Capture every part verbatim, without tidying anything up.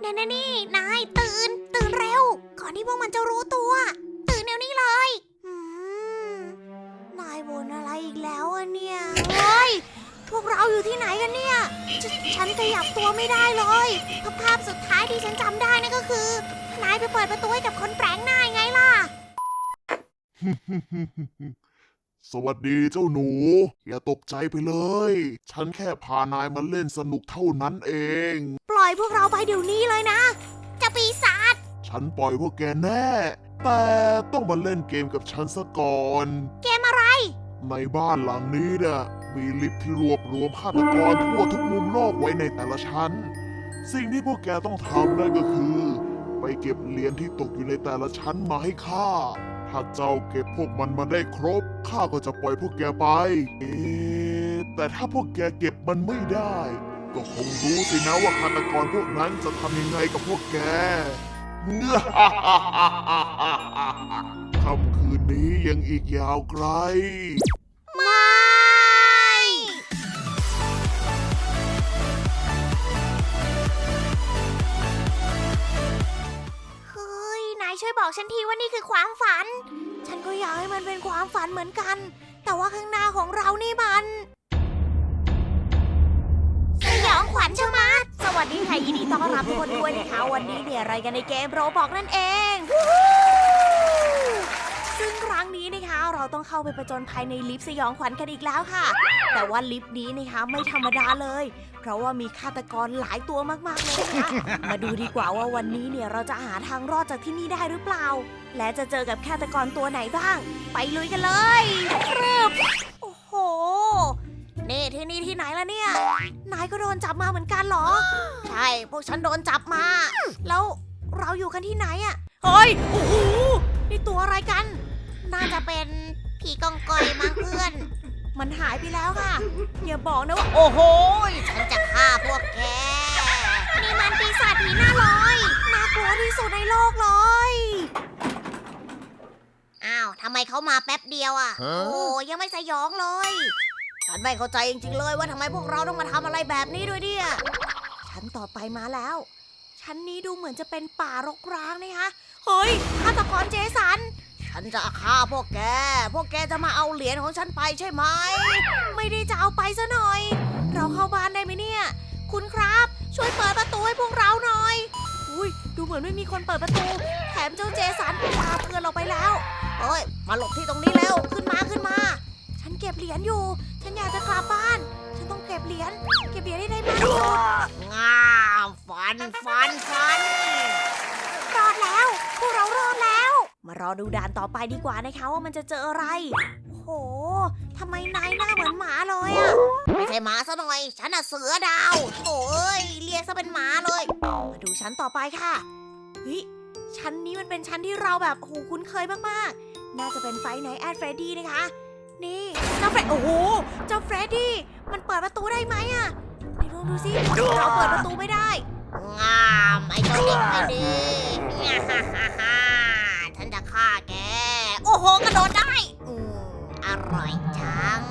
นี่นี่นี่นายตื่นตื่นเร็วก่อนที่พวกมันจะรู้ตัวตื่นเดี๋ยวนี้เลยอืมนายบ่นอะไรอีกแล้วอะเนี่ยเฮ้ยพวกเราอยู่ที่ไหนกันเนี่ยฉฉันขยับตัวไม่ได้เลยภาพสุดท้ายที่ฉันจำได้นั่นก็คือนายไปเปิดประตูให้กับคนแปลกหน้าไงล่ะสวัสดีเจ้าหนู อย่าตกใจไปเลย ฉันแค่พานายมาเล่นสนุกเท่านั้นเองปล่อยพวกเราไปเดี๋ยวนี้เลยนะเจ้าปีศาจฉันปล่อยพวกแกแน่ แต่ต้องมาเล่นเกมกับฉันซะก่อนเกมอะไรในบ้านหลังนี้น่ะมีลิฟต์ที่รวบรวมฆาตกรทั่วทุกมุมโลกไว้ในแต่ละชั้น สิ่งที่พวกแกต้องทำนั่นก็คือ ไปเก็บเหรียญที่ตกอยู่ในแต่ละชั้นมาให้ข้า ถ้าเจ้าเก็บพวกมันมาได้ครบข้าก็จะปล่อยพวกแกไป เอ๊ะแต่ถ้าพวกแกเก็บมันไม่ได้ ก็คงรู้สินะว่าฆาตกรพวกนั้นจะทำยังไงกับพวกแก ค่ำคืนนี้ยังอีกยาวไกลไม่เฮ้ยนายช่วยบอกฉันทีว่านี่คือความฝัน ฉันก็อยากให้มันเป็นความฝันเหมือนกัน แต่ว่าข้างหน้าของเรานี่มันสยองขวัญใช่ไหมสวัสดีค่ะยินดีต้อนรับทุกคนด้วยนะคะวันนี้เนี่ยอะไรกันในเกมโรบอกนั่นเองซึ่งครั้งนี้นะคะเราต้องเข้าไปประจนภายในลิฟต์สยองขวัญกันอีกแล้วค่ะแต่ว่าลิฟต์นี้นะคะไม่ธรรมดาเลยเพราะว่ามีฆาตกรหลายตัวมากๆเลยนะคะมาดูดีกว่าว่าวันนี้เนี่ยเราจะหาทางรอดจากที่นี่ได้หรือเปล่าและจะเจอกับฆาตกรตัวไหนบ้างไปลุยกันเลยครับโอ้โหนี่ที่นี่ที่ไหนล่ะเนี่ยนายก็โดนจับมาเหมือนกันเหรอใช่พวกฉันโดนจับมาแล้วเราอยู่กันที่ไหนอะเฮ้ยโอ้โหนี่ตัวอะไรกันน่าจะเป็นผีกองกอยมั้งเพื่อนมันหายไปแล้วค่ะอย่าบอกนะว่าโอ้โหฉันจะฆ่าพวกแกนี่มันปีศาจผีหน้าลอยน่ากลัวที่สุดในโลกเลยอ้าวทำไมเขามาแป๊บเดียวอ่ะฮะโอ้ยังไม่สยองเลยฉันไม่เข้าใจจริงๆเลยว่าทำไมพวกเราต้องมาทำอะไรแบบนี้ด้วยเนี่ยชั้นต่อไปมาแล้วชั้นนี้ดูเหมือนจะเป็นป่ารกร้างนะคะเฮ้ยฆาตกรเจสันฉันจะฆ่าพวกแก พวกแกจะมาเอาเหรียญของฉันไปใช่ไหม ไม่ได้จะเอาไปซะหน่อย เราเข้าบ้านได้ไหมเนี่ย คุณครับ ช่วยเปิดประตูให้พวกเราหน่อย อุ้ยดูเหมือนไม่มีคนเปิดประตู แถมเจ้าเจสันพาเพื่อนเราไปแล้วเฮ้ย มาหลบที่ตรงนี้เร็ว ขึ้นมาขึ้นมา ฉันเก็บเหรียญอยู่ ฉันอยากจะกลับบ้าน ฉันต้องเก็บเหรียญ เก็บเหรียญให้ได้มากที่สุดงามฟันฟันฟัน รอดแล้ว พวกเรารอดแล้ว มารอดูด่านต่อไปดีกว่านะคะว่ามันจะเจออะไร โอ้โหทำไมนายหน้าเหมือนหมาเลยอะไม่ใช่หมาซะหน่อย ฉันน่ะเสือดาวโอ้ยเรียกซะเป็นหมาเลย มาดูชั้นต่อไปค่ะเฮ้ยชั้นนี้มันเป็นชั้นที่เราแบบโอ้โหคุ้นเคยมากๆ น่าจะเป็นไฟไนท์แอดเฟรดดี้นะคะ นี่เจ้าเฟรดโอ้โหเจ้าเฟรดดี้มันเปิดประตูได้ไหมอะไหนลองดูสิเราเปิดประตูไม่ได้ งามไอ้เจ้าเด็กไม่ดีฮ่าฮ่าฮ่าฉันจะฆ่าแก โอ้โหกระโดดได้อืมอร่อยจัง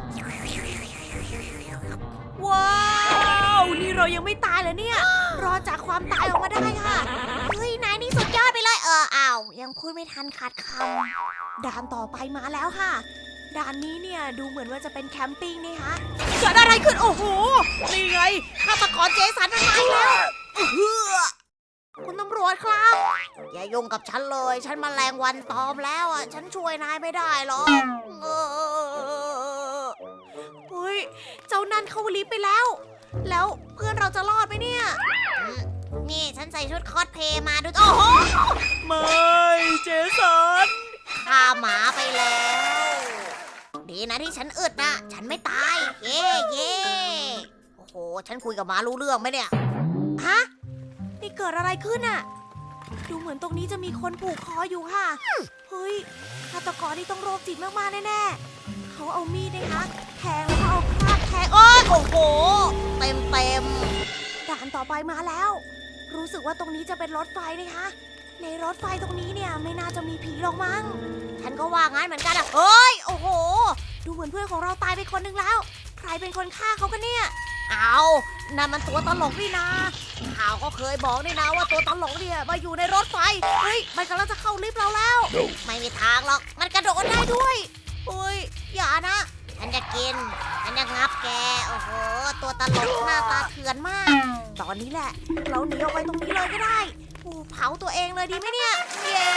ว้าว นี่เรายังไม่ตายเลยเนี่ย รอดจากความตายออกมาได้ค่ะ เฮ้ย นายนี่สุดยอดไปเลย เอออ้าวยังพูดไม่ทันขาดคำด่านต่อไปมาแล้วค่ะ ด่านนี้เนี่ยดูเหมือนว่าจะเป็นแคมปิ้งนี่คะเกิดอะไรขึ้น โอ้โห นี่ไงฆาตกรเจสันมันมาอีกแล้วอื้อหือคุณตำรวจครับ อย่ายุ่งกับฉันเลย ฉันมาแมลงวันตอมแล้วอ่ะ ฉันช่วยนายไม่ได้หรอกเออเฮ้ย เจ้านั่นเข้าลิฟต์ไปแล้ว แล้วเพื่อนเราจะรอดไหมเนี่ยอืมนี่ฉันใส่ชุดคอสเพลย์มาดู โอ้โห ไม่เจสันฆ่าหมาไปแล้ว ดีนะที่ฉันอึดนะ ฉันไม่ตาย เย่เย่โอ้โห ฉันคุยกับหมารู้เรื่องไหมเนี่ย ฮะ นี่เกิดอะไรขึ้นอะดูเหมือนตรงนี้จะมีคนผูกคออยู่ค่ะ เฮ้ยฆาตกรนี่ต้องโรคจิตมากๆแน่ๆเขาเอามีดนะคะแทงแล้วก็เอาคราดแทงโอ้ยโอ้โห เต็มเต็มด่านต่อไปมาแล้ว รู้สึกว่าตรงนี้จะเป็นรถไฟนะคะ ในรถไฟตรงนี้เนี่ยไม่น่าจะมีผีหรอกมั้ง ฉันก็ว่างั้นเหมือนกันอะเฮ้ย โอ้โห ดูเหมือนเพื่อนของเราตายไปคนหนึ่งแล้ว ใครเป็นคนฆ่าเขากันเนี่ย เอานั่นมันตัวตลกนี่นาเขาาวก็เคยบอกนี่นะว่าตัวตลกเนี่ยมาอยู่ในรถไฟเฮ้ยมันกำลังจะเข้าลิฟต์เราแล้ว ไม่มีทางหรอกมันกระโดดได้ด้วยเฮ้ยอย่านะฉันจะกินฉันจะงับแกโอ้โหตัวตลกหน้าตาเถื่อนมาก ตอนนี้แหละเราหนีออกไปตรงนี้เลยก็ได้โอ้เผาตัวเองเลยดีไหมเนี่ยเย้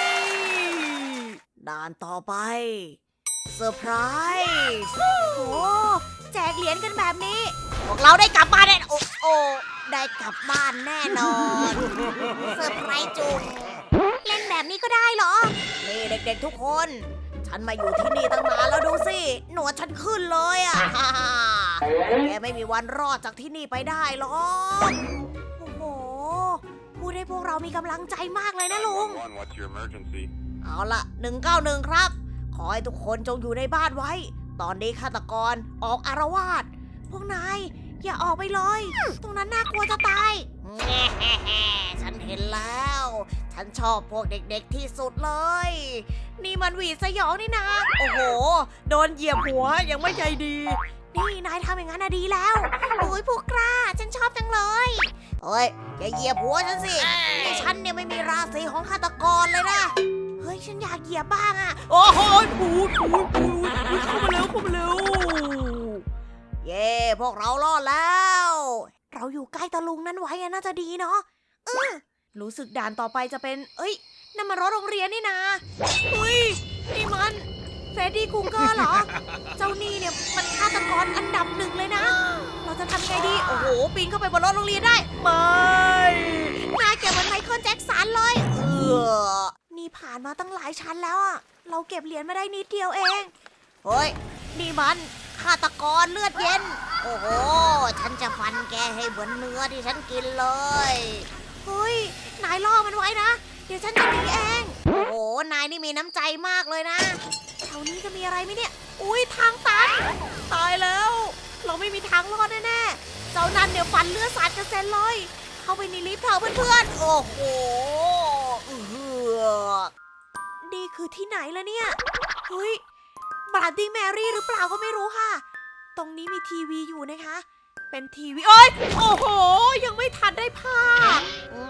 ด่านต่อไปเซอร์ไพรส์โอ้แจกเหรียญกันแบบนี้พวกเราได้กลับบ้านแน่โอ้โอ้ได้กลับบ้านแน่นอนเซอร์ไพรส์จุงเล่นแบบนี้ก็ได้เหรอนี่เด็กๆทุกคน ฉันมาอยู่ที่นี่ตั้งนานแล้วดูสิหนวดฉันขึ้นเลยอ่ะ แกไม่มีวันรอดจากที่นี่ไปได้หรอกโอ้โหพูดให้พวกเรามีกำลังใจมากเลยนะลุง What's your emergency? เอาละหนึ่งเก้าหนึ่งครับ ขอให้ทุกคนจงอยู่ในบ้านไว้ ตอนนี้ฆาตกรออกอารวาสพวกนายอย่าออกไปเลย ตรงนั้นน่ากลัวจะตาย ฉันเห็นแล้ว ฉันชอบพวกเด็กๆที่สุดเลย นี่มันหวีดสยองนี่นะ โอ้โห โดนเหยียบหัวยังไม่ใจดี นี่นายทำอย่างนั้นนะดีแล้ว โอ้ยพวกกล้า ฉันชอบจังเลยเฮ้ยอย่าเหยียบหัวฉันสิไอ้ฉันเนี่ยไม่มีราศีของฆาตกรเลยนะ เฮ้ยฉันอยากเหยียบบ้างอะโอ้โหปูดปูดปูดเข้ามาเร็วเข้ามาเร็ว เย้พวกเรารอดแล้ว เราอยู่ใกล้ตะลุงนั้นไว้อะน่าจะดีเนาะเออรู้สึกด่านต่อไปจะเป็น เอ้ยนั่นมันรถโรงเรียนนี่นะเฮ้ยนี่มันเฟรดดี้คูเกอร์เหรอ เจ้านี่เนี่ยมันฆาตกรอันดับหนึ่งเลยนะ เราจะทำไงดี โอ้โหปีนเข้าไปบนรถโรงเรียนได้ไม่นายเก็บเหมือนไมเคิลแจ็คสันเลยเออนี่ผ่านมาตั้งหลายชั้นแล้วอะเราเก็บเหรียญมาได้นิดเดียวเองเฮ้ยนี่มันฆาตกรเลือดเย็นโอ้โหฉันจะฟันแกให้เหมือนเนื้อที่ฉันกินเลยเฮ้ยนายล่อมันไว้นะเดี๋ยวฉันจะหนีเองโอ้โหนายนี่มีน้ำใจมากเลยนะแถวนี้จะมีอะไรไหมเนี่ยอุ้ยทางตันตายแล้วเราไม่มีทางรอดแน่ๆเจ้านั่นเดี๋ยวฟันเลือดสาดกระเซ็นเลยเข้าไปในลิฟต์เถอะเพื่อนๆโอ้โหเออนี่คือที่ไหนล่ะเนี่ยเฮ้ยบราดดี้แมรี่หรือเปล่าก็ไม่รู้ค่ะตรงนี้มีทีวีอยู่นะคะ เป็นทีวีโอ้ยโอ้โห ยังไม่ทันได้ภาพ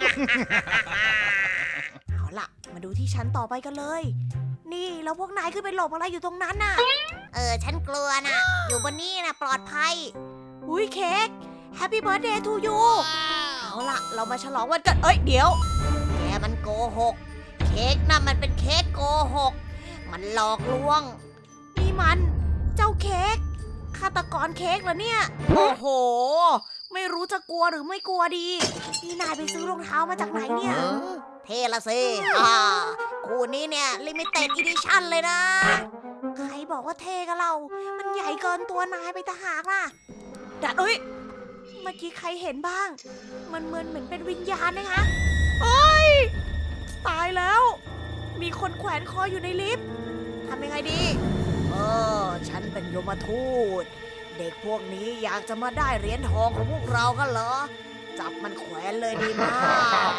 เอาล่ะ มาดูที่ชั้นต่อไปกันเลย นี่แล้วพวกนายขึ้นไปหลบอะไรอยู่ตรงนั้นน่ะ เออ ฉันกลัวน่ะ อยู่บนนี้น่ะปลอดภัย อุ้ยเค้ก Happy Birthday to you เอาล่ะ เรามาฉลองวันเกิดเอ้ย เดี๋ยว แกมันโกหก เค้กน่ะมันเป็นเค้กโกหก มันหลอกลวง นี่มัน เจ้าเค้กฆาตกรเค้กเหรอเนี่ย โอ้โห ไม่รู้จะกลัวหรือไม่กลัวดี นี่นายไปซื้อรองเท้ามาจากไหนเนี่ย เท่ละสิอ่าคู่นี้เนี่ยลิมิเต็ดอีดิชั่นเลยนะ ใครบอกว่าเท่กับเรา มันใหญ่เกินตัวนายไปตะหากล่ะดัดเอ้ย เมื่อกี้ใครเห็นบ้าง มันเหมือนเหมือนเป็นวิญญาณนะคะเฮ้ย ตายแล้ว มีคนแขวนคออยู่ในลิฟต์ทำยังไงดีเออฉันเป็นยมทูตเด็กพวกนี้อยากจะมาได้เหรียญทองของพวกเรากันเหรอจับมันแขวนเลยดีมาก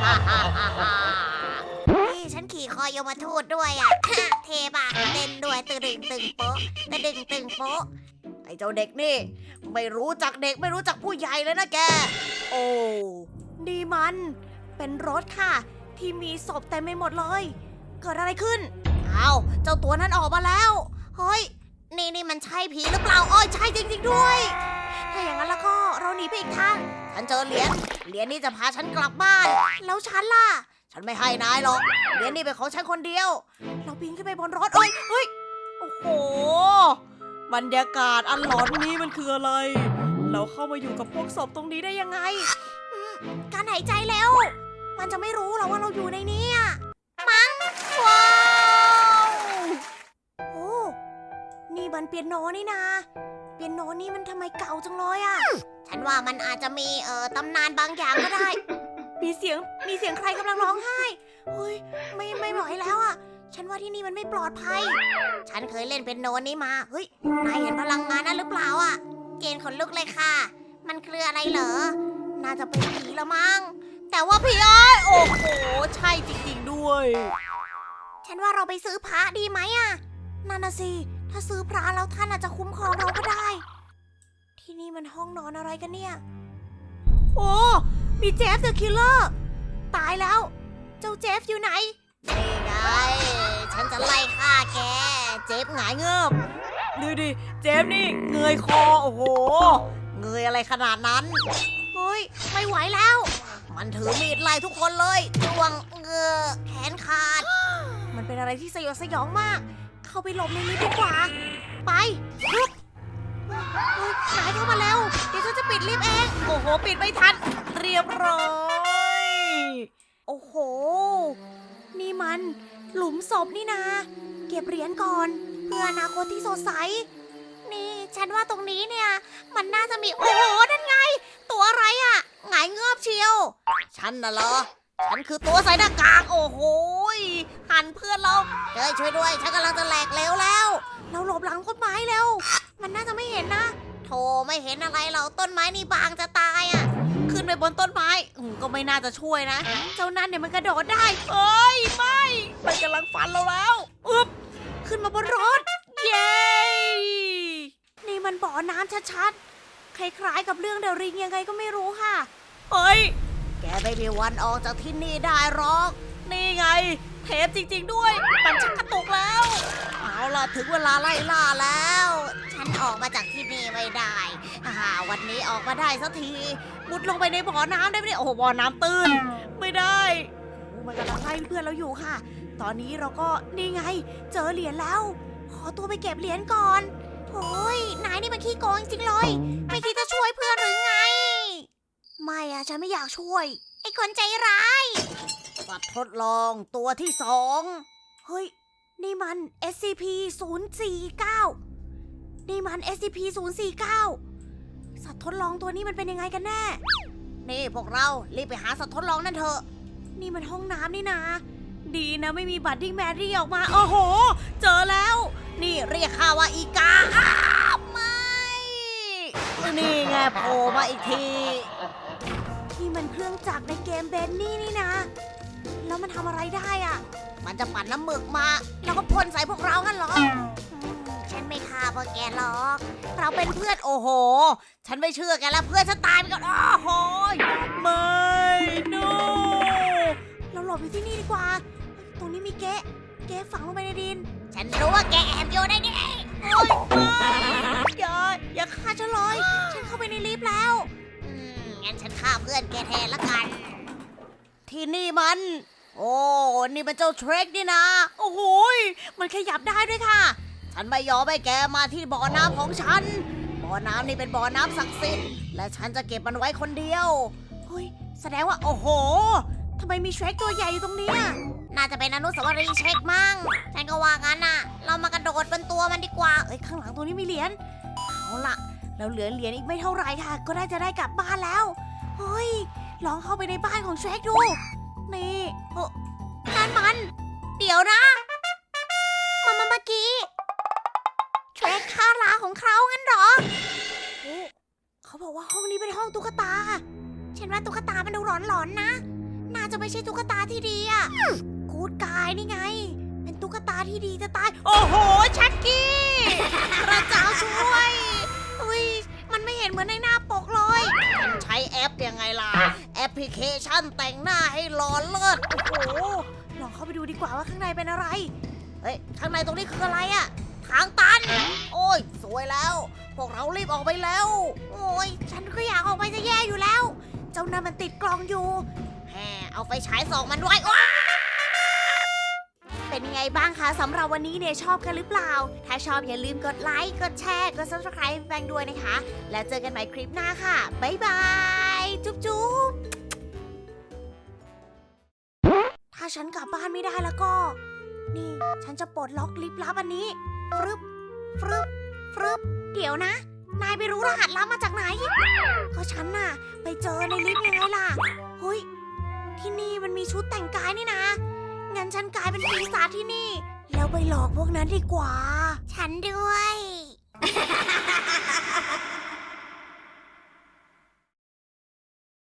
นี่ฉันขี่คอยมทูตด้วยอ่ะ เทปะเต้นด้วยตึงตึงตึงโป๊ะตึงตึงตึงโป๊ะไอ้เจ้าเด็กนี่ไม่รู้จักเด็กไม่รู้จักผู้ใหญ่เลยนะแกโอ้นี่มันเป็นรถค่ะที่มีศพเต็มไปหมดเลยเกิดอะไรขึ้นเอาเจ้าตัวนั้นออกมาแล้วเฮ้ยนี่นี่มันใช่ผีหรือเปล่าอ้อยใช่จริงๆด้วยถ้าอย่างนั้นแล้วก็เราหนีไปอีกทางฉันเจอเหรียญเหรียญนี้จะพาฉันกลับบ้านแล้วฉันล่ะฉันไม่ให้นายหรอกเหรียญนี้เป็นของฉันคนเดียวเราปีนขึ้นไปบนรถเอ้ยเฮ้ยโอ้โหบรรยากาศอันหลอนนี้มันคืออะไรเราเข้ามาอยู่กับพวกศพตรงนี้ได้ยังไงการหายใจแล้วมันจะไม่รู้หรอว่าเราอยู่ในนี้มั้งว้าวโอ้นี่มันเปียโนนี่นาเปียโนนี่มันทำไมเก่าจังเลยอ่ะฉันว่ามันอาจจะมีเอ่อตำนานบางอย่างก็ได้ มีเสียงมีเสียงใครกำลังร้องไห้เฮ้ยไม่ไม่ไหวแล้วอ่ะฉันว่าที่นี่มันไม่ปลอดภัยฉันเคยเล่นเปียโนนี้มาเฮ้ยนายเห็นพลังงานนั้นหรือเปล่าอ่ะเจนขนลุกเลยค่ะมันคืออะไรเหรอน่าจะเป็นผีละมั้งแต่ว่าพี่อ้อยโอ้โหใช่จริงๆด้วยฉันว่าเราไปซื้อพระดีไหมอ่ะนั่นน่ะสิถ้าซื้อพระแล้วท่านอาจจะคุ้มครองเราก็ได้ที่นี่มันห้องนอนอะไรกันเนี่ยโอ้มีเจฟเดอะคิลเลอร์ตายแล้ว เจ้าเจฟอยู่ไหนนี่ไงฉันจะไล่ฆ่าแกเจฟหงายเงือบดูดิเจฟนี่เงยคอโอ้โหเงยอะไรขนาดนั้นเฮ้ยไม่ไหวแล้ว มันถือมีดไล่ทุกคนเลยจ้วงเงือแขนขาด มันเป็นอะไรที่สยดสยองมาก เข้าไปหลบในนี้ดีกว่า ไปลุกเฮ้ยนายเข้ามาแล้ว เดี๋ยวฉันจะปิดลิฟต์เอง โอ้โห ปิดไม่ทัน เรียบร้อย โอ้โห นี่มันหลุมศพนี่นา เก็บเหรียญก่อน เพื่ออนาคตที่สดใส นี่ฉันว่าตรงนี้เนี่ย มันน่าจะมี โอ้โห นั่นไง ตัวอะไรอะหงายเงือบเชียว ฉันน่ะเหรอ ฉันคือตัวใส่หน้ากาก โอ้โหหันเพื่อนเราเฮ้ยช่วยด้วย ฉันกำลังจะแหลกเหลวแล้ว เราหลบหลังต้นไม้เร็ว มันน่าจะไม่เห็นนะโธ่ไม่เห็นอะไรเราต้นไม้นี่บางจะตายอ่ะ ขึ้นไปบนต้นไม้อืมก็ไม่น่าจะช่วยนะ เจ้านั่นเนี่ยมันกระโดดได้เอ้ยไม่มันกำลังฟันเราแล้วอึ๊บขึ้นมาบนรถ เย้ นี่มันบ่อน้ำชัดๆ คล้ายๆกับเรื่องเดอะริงยังไงก็ไม่รู้ค่ะ เฮ้ย แกไม่มีวันออกจากที่นี่ได้หรอก นี่ไง เทปจริงๆด้วย มันชักกระตุกแล้ว เอาล่ะถึงเวลาไล่ล่าแล้ว ฉันออกมาจากที่นี่ไม่ได้อ่าวันนี้ออกมาได้สักที มุดลงไปในบ่อน้ำได้ไหมเนี่ยโอ้โหบ่อน้ำตื้น ไม่ได้โอ้มันกำลังไล่เพื่อนเราอยู่ค่ะ ตอนนี้เราก็นี่ไง เจอเหรียญแล้ว ขอตัวไปเก็บเหรียญก่อนโอ้ยนายนี่มันขี้โกงจริงๆเลย ไม่คิดจะช่วยเพื่อนหรือไง ไม่อะฉันไม่อยากช่วย ไอ้คนใจร้ายสัตว์ทดลองตัวที่สองเฮ้ย นี่มัน เอส ซี พี ศูนย์ สี่ เก้า นี่มัน เอส ซี พี ศูนย์ สี่ เก้า สัตว์ทดลองตัวนี้มันเป็นยังไงกันแน่ นี่พวกเรารีบไปหาสัตว์ทดลองนั่นเถอะ นี่มันห้องน้ำนี่นา ดีนะไม่มีบัตติ้งแมรี่ออกมา โอ้โห เจอแล้ว นี่เรียกข้าว่าอีกาอ้าวไม่ นี่ไงโผล่มาอีกที นี่มันเครื่องจักรในเกมเบนนี่นี่นะ แล้วมันทำอะไรได้อะมันจะปั่นน้ำหมึกมา แล้วก็พ่นใส่พวกเรากันเหรออืมฉันไม่ฆ่าพวกแกหรอก เราเป็นเพื่อนโอ้โห ฉันไม่เชื่อแกแล้วเพื่อนฉันตายไปก่อนโอ้โหไม่ no เราหลบอยู่ที่นี่ดีกว่า ตรงนี้มีเก๊ะเก๊ะฝังลงไปในดิน ฉันรู้ว่าแกแอบอยู่ในนี้โอ้ยอย่าอย่าฆ่าฉันเลย ฉันเข้าไปในลิฟต์แล้ว อืมงั้นฉันฆ่าเพื่อนแกแทนละกัน ที่นี่มัน โอ้ นี่มันเจ้าเทรคนี่นะ โอ้โหยมันขยับได้ด้วยค่ะ ฉันไม่ยอมให้แกมาที่บ่อน้ำของฉัน บ่อน้ำนี่เป็นบ่อน้ำศักดิ์สิทธิ์ และฉันจะเก็บมันไว้คนเดียว เฮ้ย แสดงว่าโอ้โห ทำไมมีเทรคตัวใหญ่อยู่ตรงเนี้ยน่าจะเป็นอนุสาวรีย์เช็คมั่ง ฉันก็ว่างั้นน่ะ เรามากระโดดบนตัวมันดีกว่า เอ้ย ข้างหลังตัวนี้มีเหรียญ เอาล่ะ เราเหลือเหรียญอีกไม่เท่าไหร่ค่ะ ก็ได้จะได้กลับบ้านแล้ว เฮ้ย ลองเข้าไปในบ้านของเทรคดู นี่เออนั่นมัน เดี๋ยวนะ มันมันเมื่อกี้เทรคฆ่าลาของเขางั้นเหรอโอ้เขาบอกว่าห้องนี้เป็นห้องตุ๊กตา ฉันว่าตุ๊กตามันดูหลอนๆนะ น่าจะไม่ใช่ตุ๊กตาที่ดีอะกูดกายนี่ไง เป็นตุ๊กตาที่ดีจะตาย โอ้โห ชักกี้พระเจ้าช่วยเฮ้ย มันไม่เห็นเหมือนในหน้าปกเลยฉันใช้แอปยังไงล่ะ แอปพลิเคชันแต่งหน้าให้หลอนเลิศโอ้โห ลองเข้าไปดูดีกว่าว่าข้างในเป็นอะไร เฮ้ย ข้างในตรงนี้คืออะไรอะทางตัน โอ้ย สวยแล้ว พวกเรารีบออกไปแล้ว โอ้ย ฉันก็อยากออกไปจะแย่อยู่แล้ว เจ้านั่นมันติดกล่องอยู่แหมเอาไฟฉายส่องมันไว้ว้าเป็นยังไงบ้างคะสำหรับวันนี้เนี่ยชอบกันหรือเปล่า ถ้าชอบอย่าลืมกดไลค์ กดแชร์ กด ซับสไครบ์ แบงด้วยนะคะ แล้วเจอกันใหม่คลิปหน้าค่ะ บ๊ายบาย จุ๊บจุ๊บถ้าฉันกลับบ้านไม่ได้แล้วก็ นี่ฉันจะปลดล็อกลิฟต์ลับอันนี้ ฟรึบ ฟรึบ ฟรึบ เดี๋ยวนะ นายไปรู้รหัสลับมาจากไหน ก็ฉันน่ะ ไปเจอในลิฟต์ยังไงล่ะ เฮ้ย ที่นี่มันมีชุดแต่งกายนี่นะ งั้นฉันกลายเป็นปีศาจที่นี่ แล้วไปหลอกพวกนั้นดีกว่า ฉันด้วย